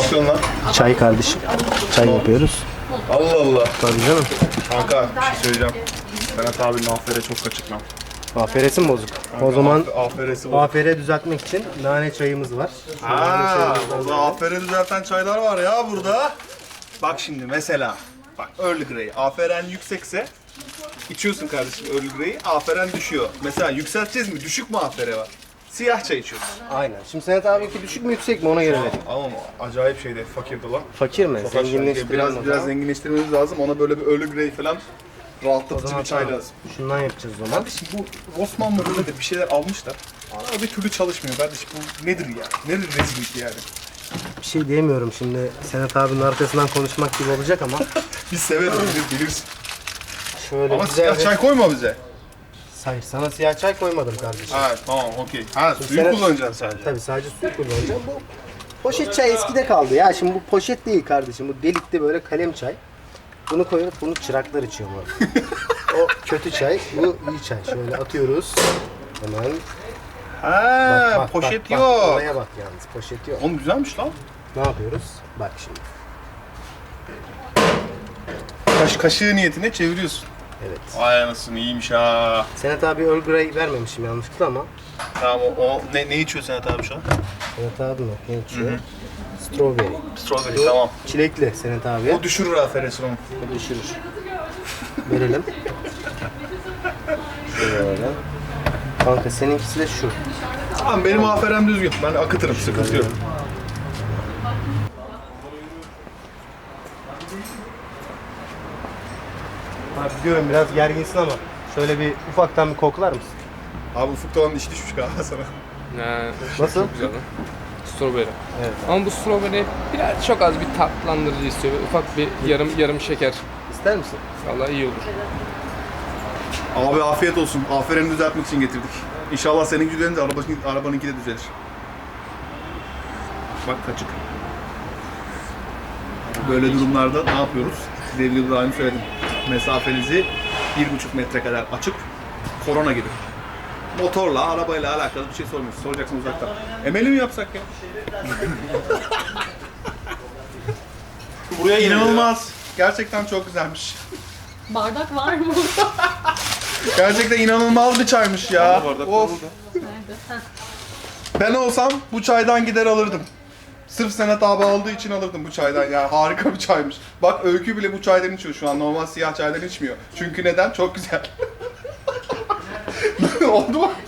yapıyorsun lan? Çay kardeşim. Çay yapıyoruz. Allah Allah. Tabii canım. Kanka bir şey söyleyeceğim. Berat abinin afere çok kaçık lan. Aferesi mi bozuk? O zaman Aferesi var. afere düzeltmek için nane çayımız var. Haa, o da afere düzelten çaylar var ya burada. Bak şimdi mesela. Bak Earl Grey. Aferen yüksekse içiyorsun kardeşim Earl Grey'i. Aferen düşüyor. Mesela yükselteceğiz mi? Düşük mü afere var? Siyah çay içiyoruz. Aynen. Şimdi Senet abi düşük mü yüksek mi ona göre verin. Ama acayip şeydi fakirdi lan. Fakir mi? Çok aşağı. Zenginleştirelim Biraz zenginleştirmemiz lazım. Ona böyle bir Earl Grey falan rahatlatıcı bir çay lazım. Şundan yapacağız o zaman. Kardeşim bu Osmanlı böyle de bir şeyler almışlar. Ama bir türlü çalışmıyor kardeşim. Bu nedir ya? Nedir rezillik yani? Bir şey diyemiyorum şimdi. Senet abinin arkasından konuşmak gibi olacak ama. Biz severiz, bilirsin. Şöyle Ama güzel siyah bir... çay koyma bize. Hayır, sana siyah çay koymadım kardeşim. Ha tamam okey. Ha suyu Sen- kullanacaksın sadece. Tabii sadece suyu kullanacağım. Bu poşet çay eskide kaldı ya. Şimdi bu poşet değil kardeşim. Bu delikli böyle kalem çay. Bunu koyup bunu çıraklar içiyor bu. O kötü çay, bu iyi çay. Şöyle atıyoruz. Hemen. Ha poşet bak, yok. Oraya bak yalnız, poşet yok. Oğlum güzelmiş lan. Ne yapıyoruz? Bak şimdi. Kaşığı niyetine çeviriyorsun. Evet. Vay anasını iyiymiş ha. Senet abi Earl Grey vermemişim yanlışlıkla ama. Tamam ne içiyor Senet abi şu an? Senet abi mi? Ne içiyor? Strawberry. Strawberry tamam. Çilekli Senet abi. O düşürür aferesi onu. O düşürür. Verelim. Şöyle. Kanka seninkisi de şu. Tamam benim aferem düzgün. Ben akıtırım sıkıntı yok. Abi biliyorum biraz gerginsin ama şöyle bir ufaktan bir koklar mısın? Abi ufukta olan iş düşmüş galiba sana. Nasıl? Çok güzel lan. Strawberry. Evet. Ama bu strawberry biraz çok az bir tatlandırıcı istiyor. Ufak bir yarım şeker. İster misin? Vallahi iyi olur. Abi afiyet olsun. Afereni düzeltmek için getirdik. İnşallah senin düzelince arabanınki de düzelir. Bak kaçık. Böyle durumlarda ne yapıyoruz? Size İbrahim söyledim. Mesafenizi 1,5 metre kadar açıp korona gibi. Motorla, arabayla alakalı bir şey sormuyorsun. Soracaksın uzaktan. Emeli mi yapsak ya? Buraya inanılmaz. Gerçekten çok güzelmiş. Bardak var mı? Gerçekten inanılmaz bir çaymış ya. Of. Nerede? Heh. Ben olsam bu çaydan gider alırdım. Sırf Senet abi aldığı için alırdım bu çaydan ya. Harika bir çaymış. Bak Öykü bile bu çaydan içiyor şu an. Normal siyah çaydan içmiyor. Çünkü neden? Çok güzel. Oldu mu?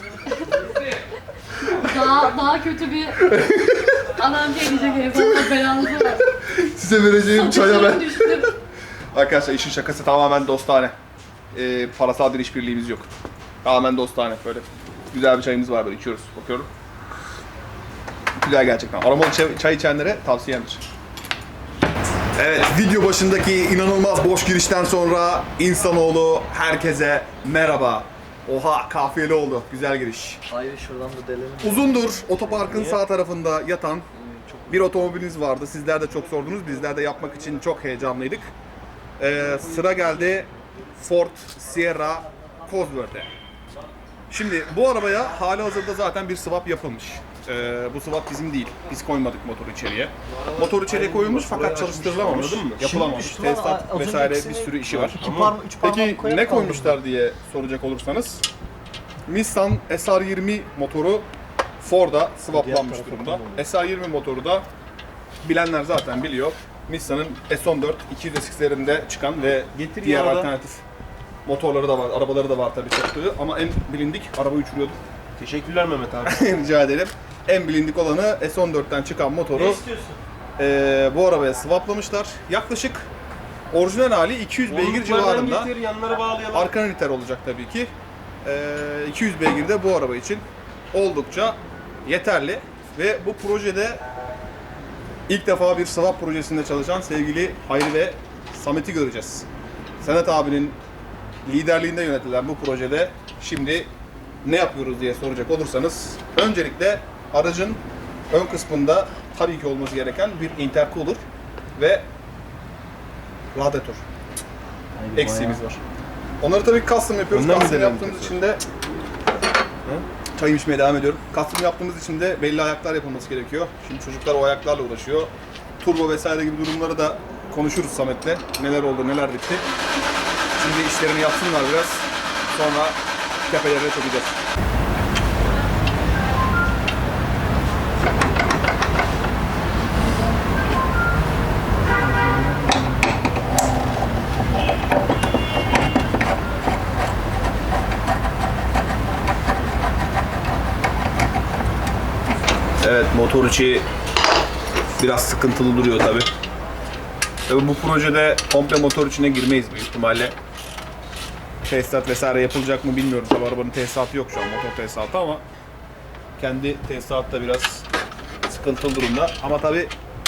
Daha kötü bir adam gelecek herif. Allah belanızı ver. Size vereceğim çaya ben. Düştüm. Arkadaşlar işin şakası tamamen dostane. Parasal bir işbirliğimiz yok. Tamamen dostane böyle. Güzel bir çayımız var böyle içiyoruz. Bakıyorum. Güzel gerçekten. Aromalı çay içenlere tavsiyemdir. Evet, video başındaki inanılmaz boş girişten sonra insanoğlu herkese merhaba. Oha, kafiyeli oldu. Güzel giriş. Hayır şuradan da delelim. Uzundur otoparkın sağ tarafında yatan bir otomobiliniz vardı. Sizler de çok sordunuz. Bizler de yapmak için çok heyecanlıydık. Sıra geldi Ford Sierra Cosworth'e. Şimdi bu arabaya hali hazırda zaten bir swap yapılmış. Bu swap bizim değil. Biz koymadık motoru içeriye. Motor içeriye koyulmuş fakat çalıştırılamamış. Yapılamamış. Tesisat vesaire bir sürü işi var. Peki ne koymuşlar diye soracak olursanız Nissan SR20 motoru Ford'a swaplanmış durumda. SR20 motoru da bilenler zaten biliyor. Nissan'ın S14 200SX'lerinde çıkan ve diğer alternatif motorları da var, arabaları da var tabii çıktığı ama en bilindik araba uçuruyordu. Teşekkürler Mehmet abi. Rica ederim. En bilindik olanı S14'ten çıkan motoru bu arabaya swaplamışlar. Yaklaşık orijinal hali 200 beygir civarında. Yanlara bağlayalım. Arka liter olacak tabii ki. 200 beygir de bu araba için oldukça yeterli ve bu projede ilk defa bir swap projesinde çalışan sevgili Hayri ve Samet'i göreceğiz. Senet abinin liderliğinde yönetilen bu projede şimdi ne yapıyoruz diye soracak olursanız öncelikle aracın ön kısmında tabii ki olması gereken bir intercooler ve radyatör eksiğimiz var. Onları tabii custom yapıyoruz. Custom yaptığımız için de çay içmeye devam ediyorum. Custom yaptığımız için de belli ayaklar yapılması gerekiyor. Şimdi çocuklar o ayaklarla uğraşıyor. turbo vesaire gibi durumları da konuşuruz Samet'le. Neler oldu, neler bitti. Şimdi işlerini yapsınlar biraz. Sonra tepelerine çökeceğiz. Evet, motor içi biraz sıkıntılı duruyor tabi. Tabi bu projede komple motor içine girmeyiz büyük ihtimalle. Tesisat vesaire yapılacak mı bilmiyorum. Tabi arabanın tesisatı yok şu an, motor tesisatı, ama kendi tesisatı da biraz sıkıntılı durumda. Ama tabi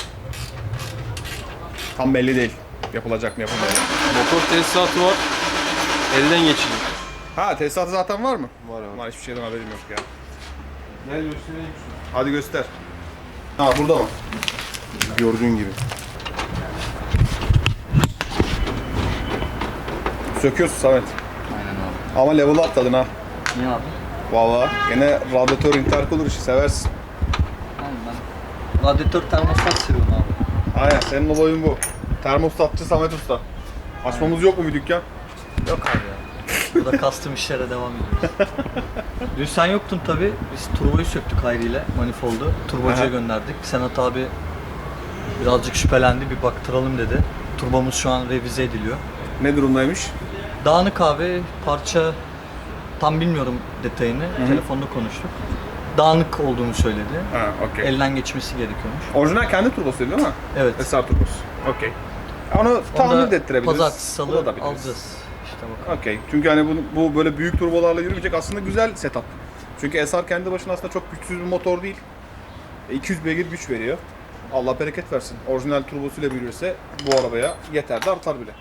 tam belli değil. Yapılacak mı yapılmayacak mı. Motor tesisatı var. Elden geçiyor. Ha, tesisatı zaten var mı? Var abi. Var, hiçbir şeyden haberim yok ya. Gel göstereyim şunu. Hadi göster. Ha, burada mı? Gördüğün gibi. Söküyorsun Samet. Aynen abi. Ama level atladın ha. Niye abi? Vallahi gene radyatör intercooler işi seversin. Aynen ben. Radyatör termostat seviyorum abi. Aynen, senin olayın bu. Termostatçı Samet Usta. Açmamız yok mu bir dükkan? Yok abi ya. Burada custom işlere devam ediyoruz. Dün sen yoktun tabi. Biz turboyu söktük Hayri ile, manifoldu. Turbocuya Aha. gönderdik. Senat abi birazcık şüphelendi, bir baktıralım dedi. Turbomuz şu an revize ediliyor. Ne durumdaymış? Dağınık abi, parça tam bilmiyorum detayını. Telefonda konuştuk. Dağınık olduğunu söyledi. Ha, okey. Elden geçmesi gerekiyormuş. Orijinal kendi turbosu değil mi? Evet. SR turbosu. Okey. Onu tahmin de ettirebiliriz. Pazartesi, salı Bulabiliriz. alacağız. İşte bakalım. Okey. Çünkü hani bu böyle büyük turbolarla yürümeyecek, aslında güzel setup. Çünkü SR kendi başına aslında çok güçsüz bir motor değil. 200 beygir güç veriyor. Allah bereket versin. Orijinal turbosuyla büyürse bu arabaya yeter de artar bile.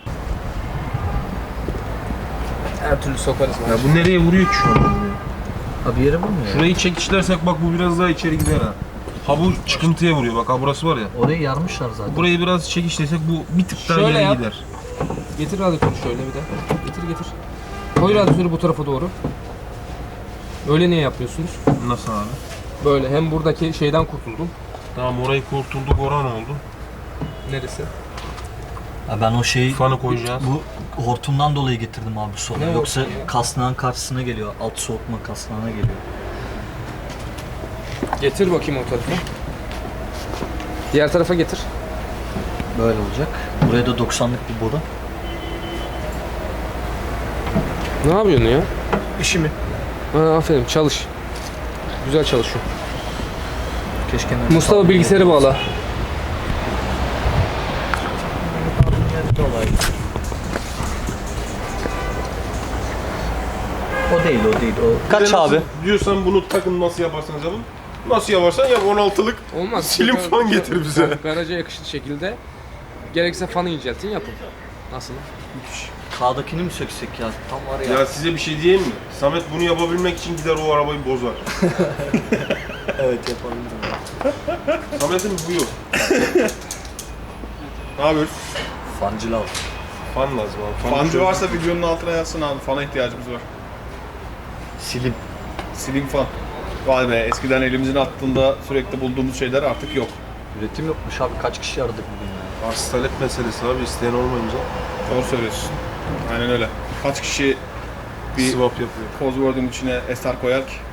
Her türlü sokarız. Ya bu nereye vuruyor ki şu an? Abi yere vurmuyor ya. Şurayı çekişlersek bak bu biraz daha içeri gider ha. Ha bu çıkıntıya vuruyor, bak ha burası var ya. Orayı yarmışlar zaten. Burayı biraz çekişlesek bu bir tık daha Şöyle ileri yap. gider. Getir radyatörü şöyle bir de. Getir. Koy radyatörü bu tarafa doğru. Öyle niye yapıyorsunuz? Nasıl abi? Böyle hem buradaki şeyden kurtuldum. Tamam, orayı kurtulduk, oran oldu. Neresi? Ya ben o şeyi Fanı koyacağız. bu hortumdan dolayı getirdim abi sonra. Ne Yoksa hortumu ya? kasnağın karşısına geliyor. Alt soğutma kasnağına geliyor. Getir bakayım o tarafa. Diğer tarafa getir. Böyle olacak. Buraya da 90'lık bir boru. Ne yapıyorsun ya? İşi mi? Ha, aferin, çalış. Güzel çalışıyor. Keşke Mustafa bilgisayarı bağla. O değil, o değil. O kaç Bir de nasıl abi? Diyorsan bunu takın, nasıl yaparsanız yapın. Nasıl yaparsan yap, 16'lık Olmaz. silim fan getir bize. Garaja yakışır şekilde. Gerekirse fanı inceltin, yapın. Nasıl? K'dakini mi söksek ya? Tam var ya. Ya size bir şey diyeyim mi? Samet bunu yapabilmek için gider o arabayı bozar. Evet yapabilirim. Samet'in huyu. Ne yapıyoruz? Fancı lazım. Fan lazım abi. Fan Fancı çok- varsa videonun altına yazsın abi. Fana ihtiyacımız var. Silim. Slim fan. Vay be, eskiden elimizin attığında sürekli bulduğumuz şeyler artık yok. Üretim yokmuş abi. Kaç kişi aradık bugün ya? Arz talep meselesi abi, isteyen olmayınca Doğru söylüyorsun. Aynen öyle. Kaç kişi bir swap yapıyor. Cosworth'un içine SR koyar ki?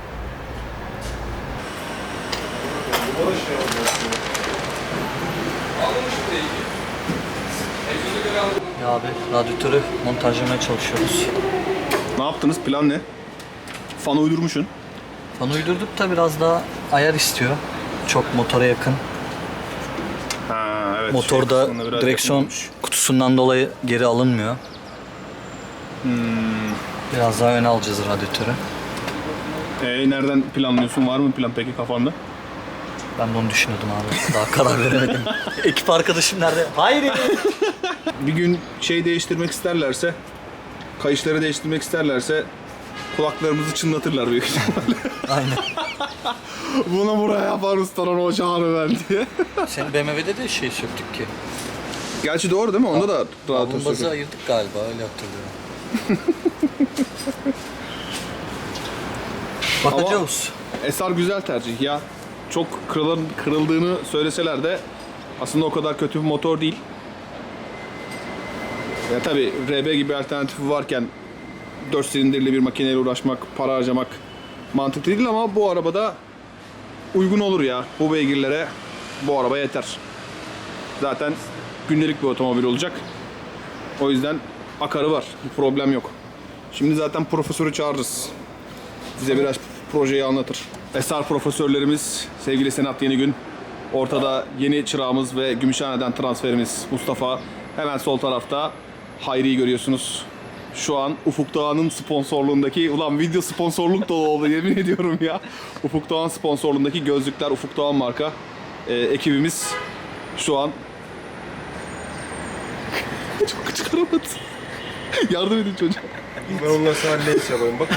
Ya abi radyatörü montajlamaya çalışıyoruz. Ne yaptınız? Plan ne? Fan uydurmuşsun. Fan uydurduk da biraz daha ayar istiyor. Çok motora yakın. Ha evet. Motorda kısmında biraz direksiyon yakın olmuş. kutusundan dolayı geri alınmıyor. Biraz daha öne alacağız radyatörü. Nereden planlıyorsun? Var mı plan peki kafanda? Ben de onu düşünüyordum abi. Daha karar veremedim. Ekip arkadaşım nerede? Hayır. Bir gün şey değiştirmek isterlerse, kayışları değiştirmek isterlerse kulaklarımızı çınlatırlar büyük ihtimalle. Aynen. Bunu buraya yapar ustalar ocağını ben diye. Senin BMW'de de şey söktük ki. Gerçi doğru değil mi? Onda da rahat Bombazı ayırdık galiba, öyle hatırlıyorum. Bakacağız. SR güzel tercih ya. Çok kırıldığını söyleseler de Aslında o kadar kötü bir motor değil. Ya tabii RB gibi alternatifi varken 4 silindirli bir makineyle uğraşmak, para harcamak mantıklı değil ama bu arabada uygun olur ya. Bu beygirlere bu araba yeter. Zaten gündelik bir otomobil olacak. O yüzden akarı var. Bir problem yok. Şimdi zaten profesörü çağırırız. Bize biraz projeyi anlatır. Esar profesörlerimiz sevgili Senat Yenigün. Ortada yeni çırağımız ve Gümüşhane'den transferimiz Mustafa. Hemen sol tarafta Hayri'yi görüyorsunuz. Şu an Ufuk Doğan'ın sponsorluğundaki, ulan video sponsorluk dolu oldu yemin ediyorum ya. Ufuk Doğan sponsorluğundaki gözlükler, Ufuk Doğan marka ekibimiz şu an çok çıkaramadı. Yardım edin çocuğa. Ben ondan sana lens yapayım bak.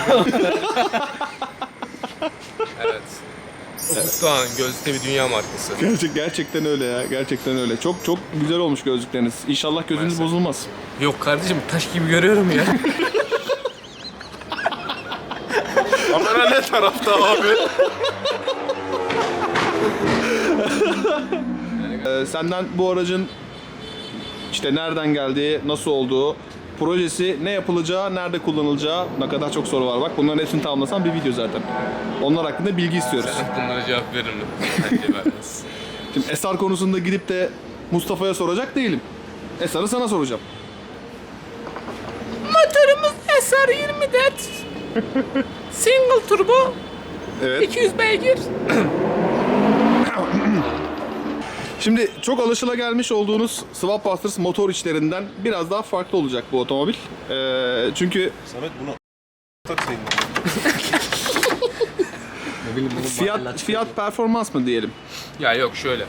Evet. Ufuk Doğan gözlükte bir dünya markası. Gerçekten öyle ya. Gerçekten öyle. Çok güzel olmuş gözlükleriniz. İnşallah gözünüz bozulmaz. Yok kardeşim taş gibi görüyorum ya. Kamera ne tarafta abi? Senden bu aracın işte nereden geldiği, nasıl olduğu, projesi, ne yapılacağı, nerede kullanılacağı, ne kadar çok soru var. Bak bunların hepsini tamamlasan bir video zaten. Onlar hakkında bilgi istiyoruz. Bunlara cevap veririm. Bence vermez. Şimdi Esar konusunda gidip de Mustafa'ya soracak değilim. Esar'ı sana soracağım. Motorumuz SR24. Single turbo. Evet. 200 beygir. Şimdi çok alışılagelmiş olduğunuz Swap Busters motor içlerinden biraz daha farklı olacak bu otomobil. Çünkü Samet bunu takayım. fiyat performans mı diyelim? Ya yok şöyle.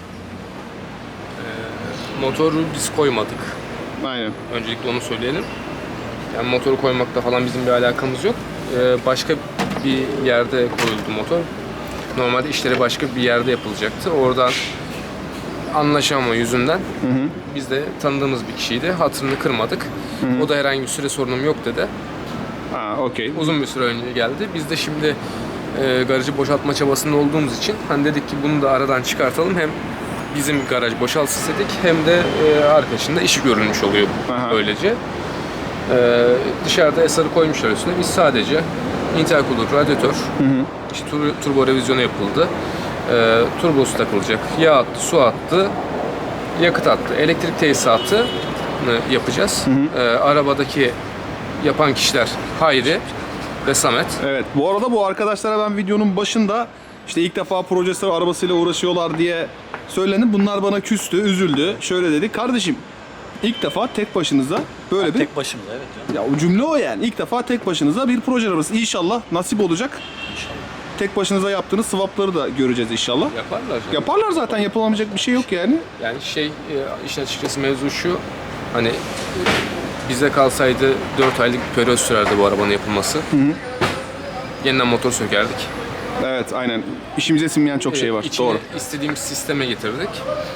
Motoru biz koymadık. Aynen. Öncelikle onu söyleyelim. Yani motoru koymakta falan bizim bir alakamız yok. Başka bir yerde koyuldu motor. Normalde işleri başka bir yerde yapılacaktı. Oradan anlaşamama yüzünden biz de tanıdığımız bir kişiydi. Hatırını kırmadık. O da herhangi bir süre sorunum yok dedi. Ha, okey. Uzun bir süre önce geldi. Biz de şimdi garajı boşaltma çabasında olduğumuz için hani dedik ki bunu da aradan çıkartalım. Hem bizim garaj boşalsın dedik hem de arkadaşın da işi görülmüş oluyor Aha. böylece. Dışarıda Esar'ı koymuşlar üstüne. Biz sadece intercooler, radyatör, işte turbo revizyonu yapıldı. Turbosu takılacak. Yağ attı, su attı, yakıt attı. Elektrik tesisatı yapacağız. Arabadaki yapan kişiler Hayri ve Samet. Evet. Bu arada bu arkadaşlara ben videonun başında işte ilk defa projesi arabasıyla uğraşıyorlar diye söylendi. Bunlar bana küstü, üzüldü. Şöyle dedi. Kardeşim ilk defa tek başınıza böyle bir... Tek başımıza evet canım. Ya o cümle o yani. İlk defa tek başınıza bir proje arabası. İnşallah nasip olacak. Tek başınıza yaptığınız swapları da göreceğiz inşallah. Yaparlar canım. Yaparlar zaten. Yapılamayacak bir şey yok yani. Yani işin açıkçası mevzu şu, hani bize kalsaydı 4 aylık bir periyot sürerdi bu arabanın yapılması. Yeniden motor sökerdik. Evet aynen. İşimize sinmeyen çok şey var. İçine Doğru. istediğimiz sisteme getirdik.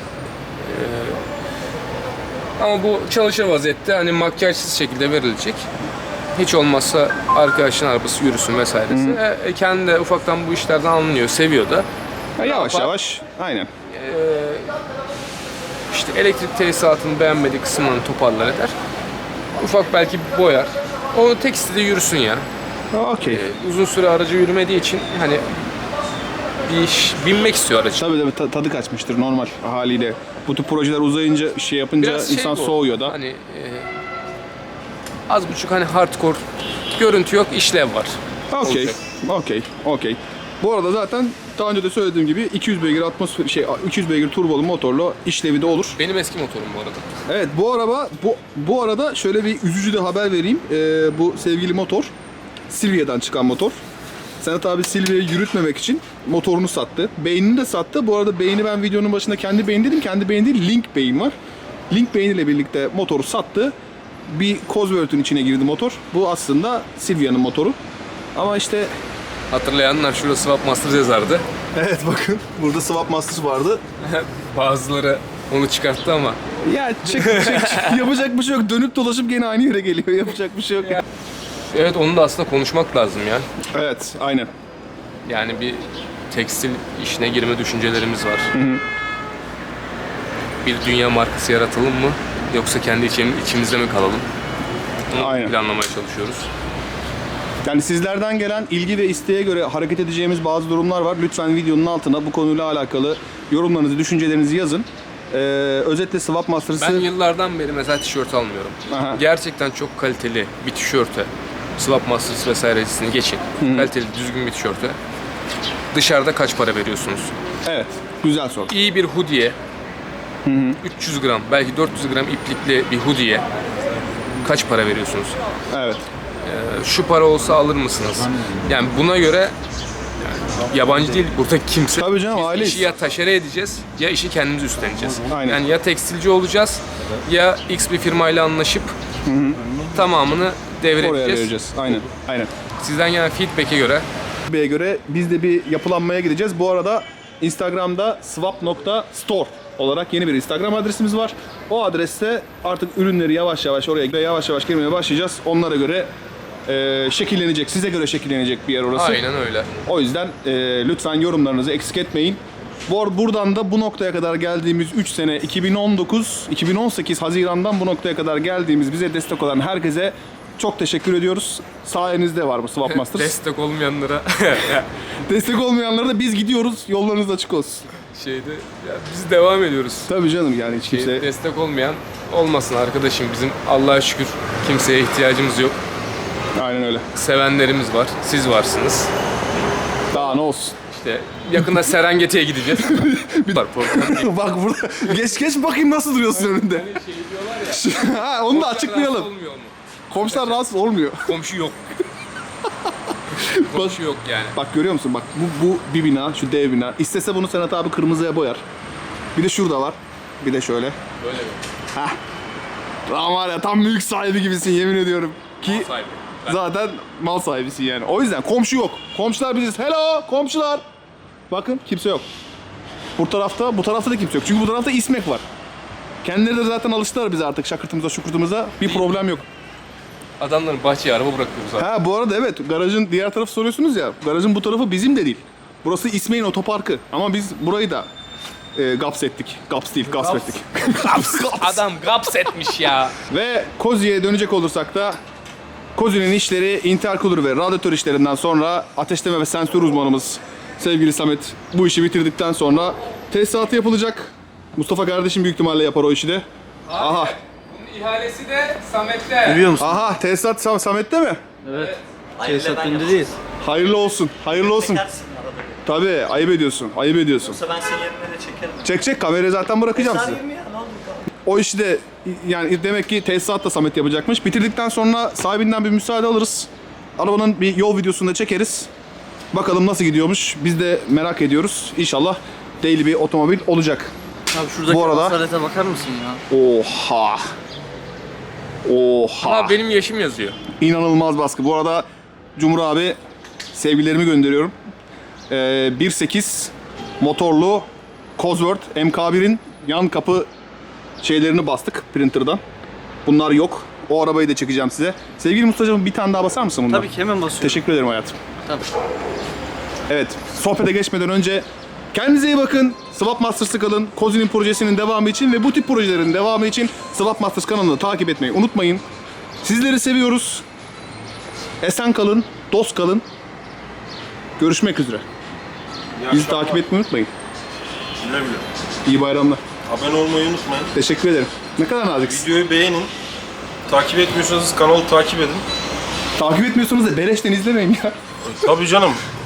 Ama bu çalışır vaziyette hani makyajsız şekilde verilecek. Hiç olmazsa arkadaşın arabası yürüsün vesairesi. Kendi de ufaktan bu işlerden anlıyor, seviyor da. Ya yavaş yapar? yavaş. Aynen. İşte elektrik tesisatını beğenmediği kısımlarını toparlar eder. Ufak belki boyar. O tek istediği yürüsün ya. Okey. Uzun süre aracı yürümediği için hani bir iş binmek istiyor aracı. Tabii tadı kaçmıştır normal haliyle. Bu tür projeler uzayınca şey yapınca Biraz insan bu, soğuyor da. Hani az buçuk hani hardcore görüntü yok, işlev var. Okey. Olacak. Okey. Bu arada zaten daha önce de söylediğim gibi 200 beygir 200 beygir turbolu motorlu işlevi de olur. Benim eski motorum bu arada. Evet bu araba bu arada şöyle bir üzücü de haber vereyim. Bu sevgili motor Silvia'dan çıkan motor. Senat abi Silvia'yı yürütmemek için motorunu sattı. Beynini de sattı. Bu arada beyni ben videonun başında kendi beyin dedim. Kendi beyin değil, Link beyin var. Link beyniyle birlikte motoru sattı. Bir Cosworth'un içine girdi motor. Bu aslında Silvia'nın motoru. Ama işte Hatırlayanlar şurada Swap Masters yazardı. evet bakın burada Swap Masters vardı. Bazıları onu çıkarttı ama Ya çık yapacak bir şey yok. Dönüp dolaşıp gene aynı yere geliyor. Yapacak bir şey yok. evet onu da aslında konuşmak lazım ya. Evet aynen. Yani bir tekstil işine girme düşüncelerimiz var. bir dünya markası yaratalım mı? Yoksa kendi içimizde mi kalalım? Bunu Aynen. planlamaya çalışıyoruz. Yani sizlerden gelen ilgi ve isteğe göre hareket edeceğimiz bazı durumlar var. Lütfen videonun altına bu konuyla alakalı yorumlarınızı, düşüncelerinizi yazın. Özetle Swap Masters'ı... Ben yıllardan beri mesela tişört almıyorum. Aha. Gerçekten çok kaliteli bir tişörte, Swap Masters vesairesini geçin. Kaliteli, düzgün bir tişörte dışarıda kaç para veriyorsunuz? Evet, güzel soru. İyi bir hoodie'ye, 300 gram, belki 400 gram iplikli bir hoodie'ye kaç para veriyorsunuz? Evet. Şu para olsa alır mısınız? Yani buna göre yabancı değil burada kimse. Tabii canım, Biz aileyiz. işi ya taşere edeceğiz ya işi kendimiz üstleneceğiz. Aynen. Yani ya tekstilci olacağız ya X bir firmayla anlaşıp tamamını Oraya devredeceğiz. vereceğiz. Aynen. Aynen. Sizden gelen feedback'e göre biz de bir yapılanmaya gideceğiz. Bu arada Instagram'da swap.store olarak yeni bir Instagram adresimiz var. O adreste artık ürünleri yavaş yavaş girmeye başlayacağız. Onlara göre şekillenecek, size göre şekillenecek bir yer orası. aynen öyle. O yüzden lütfen yorumlarınızı eksik etmeyin. Buradan da bu noktaya kadar geldiğimiz 3 sene 2018 Haziran'dan bu noktaya kadar geldiğimiz bize destek olan herkese çok teşekkür ediyoruz. Sayenizde var bu Swap Masters. Destek olmayanlara Destek olmayanlara da biz gidiyoruz. Yollarınız açık olsun. biz devam ediyoruz. Tabii canım yani hiç kimse... Destek olmayan olmasın arkadaşım. Bizim Allah'a şükür kimseye ihtiyacımız yok. Aynen öyle. Sevenlerimiz var. Siz varsınız. Daha ne olsun. İşte yakında Serengeti'ye gideceğiz. Var problem değil. Bak burada. Geç bakayım nasıl duruyorsun önünde. Şey diyorlar ya. Ha, onu da açıklayalım. rahatsız olmuyor mu? Komşular rahatsız olmuyor. Komşu yok. Komşu yok yani. Bak görüyor musun? Bak bu bir bina, şu dev bina. İstese bunu Senat abi kırmızıya boyar. Bir de şurada var. Bir de şöyle. Böyle mi? Lan var ya tam mülk sahibi gibisin yemin ediyorum. Ki Sahibi. zaten mal sahibisin yani. O yüzden komşu yok. Komşular biziz. Hello komşular. Bakın kimse yok. Bu tarafta da kimse yok. Çünkü bu tarafta İsmek var. Kendileri de zaten alıştılar bize artık şakırtımıza şukurtumuza. Bir problem yok. Adamların bahçeye araba bırakıyoruz abi. Ha bu arada evet garajın diğer tarafı soruyorsunuz ya. Garajın bu tarafı bizim de değil. Burası İsmail'in otoparkı. Ama biz burayı da gaps ettik. Gaps değil, gasp ettik. Gaps. Adam gaps etmiş ya. Ve Kozi'ye dönecek olursak da Kozi'nin işleri intercooler ve radyatör işlerinden sonra ateşleme ve sensör uzmanımız sevgili Samet bu işi bitirdikten sonra tesisatı yapılacak. Mustafa kardeşim büyük ihtimalle yapar o işi de. Aha. Bunun ihalesi de Samet'te. Biliyor musun? Aha tesisat Samet'te mi? Tesisat önündeyiz. Hayırlı olsun. Hayırlı olsun. Çekersin arada bir. Tabii ayıp ediyorsun. Ayıp ediyorsun. Yoksa ben senin yerine de çekerim. Çek kamerayı zaten bırakacağım size. Sarayım ya ne oldu? O işi de yani demek ki tesisat da Samet yapacakmış. Bitirdikten sonra sahibinden bir müsaade alırız. Arabanın bir yol videosunu da çekeriz. Bakalım nasıl gidiyormuş. Biz de merak ediyoruz. İnşallah daily bir otomobil olacak. Abi şuradaki Bu arada- asalete bakar mısın ya? Oha. Oha. Ama benim yaşım yazıyor. İnanılmaz baskı. Bu arada Cumhur abi sevgilerimi gönderiyorum. 1.8 motorlu Cosworth MK1'in yan kapı şeylerini bastık printer'dan. Bunlar yok. O arabayı da çekeceğim size. Sevgili Mustafa'cığım bir tane daha basar mısın bundan? Tabii ki hemen basıyorum. Teşekkür ederim hayatım. Tabii. Evet, sohbete geçmeden önce kendinize iyi bakın. Swap Masters'ı kalın. Kozi'nin projesinin devamı için ve bu tip projelerin devamı için Swap Masters kanalını takip etmeyi unutmayın. Sizleri seviyoruz. Esen kalın, dost kalın. Görüşmek üzere. Bizi takip etmeyi unutmayın. Güle güle. İyi bayramlar. Abone olmayı unutmayın. Teşekkür ederim. Ne kadar naziksin. Videoyu beğenin. Takip etmiyorsanız kanalı takip edin. Takip etmiyorsanız da beleşten izlemeyin ya. Tabii canım.